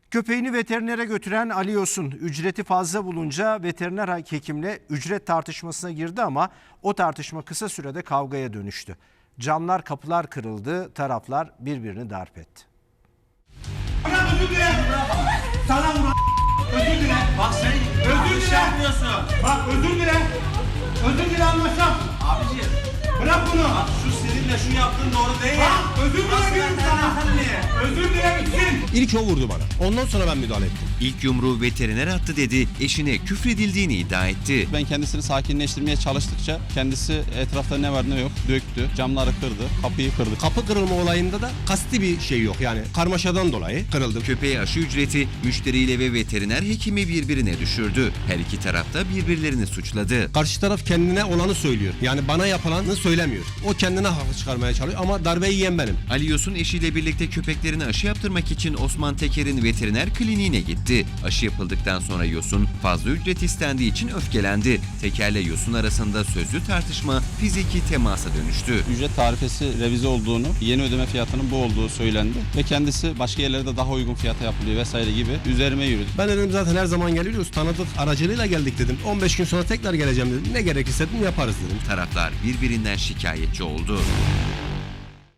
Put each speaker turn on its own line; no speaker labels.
Köpeğini veterinere götüren Ali Yosun ücreti fazla bulunca veteriner hekimle ücret tartışmasına girdi ama o tartışma kısa sürede kavgaya dönüştü. Camlar, kapılar kırıldı, taraflar birbirini darp etti.
Özür dile. Sana vur. Özür dile.
Bak sen
Özür dile.
yapmıyorsun.
Bak özür dile. Özür dile anlaşalım.
Abiciğim
Bırak bunu.
bak şu seninle şu yaptığın doğru değil.
Bak özür
Nasıl
dile dedim
veteriner
sana.
hekimliği?
Özür dile bitsin.
İlk o vurdu bana. Ondan sonra ben müdahale ettim.
İlk yumruğu veteriner attı dedi, eşine küfredildiğini iddia etti.
Ben kendisini sakinleştirmeye çalıştıkça kendisi etrafta ne var ne yok döktü, camları kırdı, kapıyı kırdı.
Kapı kırılma olayında da kasti bir şey yok, yani karmaşadan dolayı kırıldı.
Köpeğe aşı ücreti müşteriyle ve veteriner hekimi birbirine düşürdü. Her iki taraf da birbirlerini suçladı.
Karşı taraf kendine olanı söylüyor. Yani bana yapılanı söylemiyor. O kendine haklı çıkarmaya çalışıyor ama darbeyi yiyen benim.
Ali Yosun eşiyle birlikte köpeklerine aşı yaptırmak için Osman Teker'in veteriner kliniğine gitti. Aşı yapıldıktan sonra Yosun fazla ücret istendiği için öfkelendi. Teker'le Yosun arasında sözlü tartışma fiziki temasa dönüştü.
Ücret tarifesi revize olduğunu, yeni ödeme fiyatının bu olduğu söylendi ve kendisi başka yerlerde daha uygun fiyata yapılıyor vesaire gibi üzerime yürüdü.
Ben dedim zaten her zaman geliyoruz, tanıdık aracılığıyla geldik dedim. 15 gün sonra tekrar geleceğim dedim. Ne gerekirse dedim yaparız dedim.
Taraflar birbirinden şikayetçi oldu.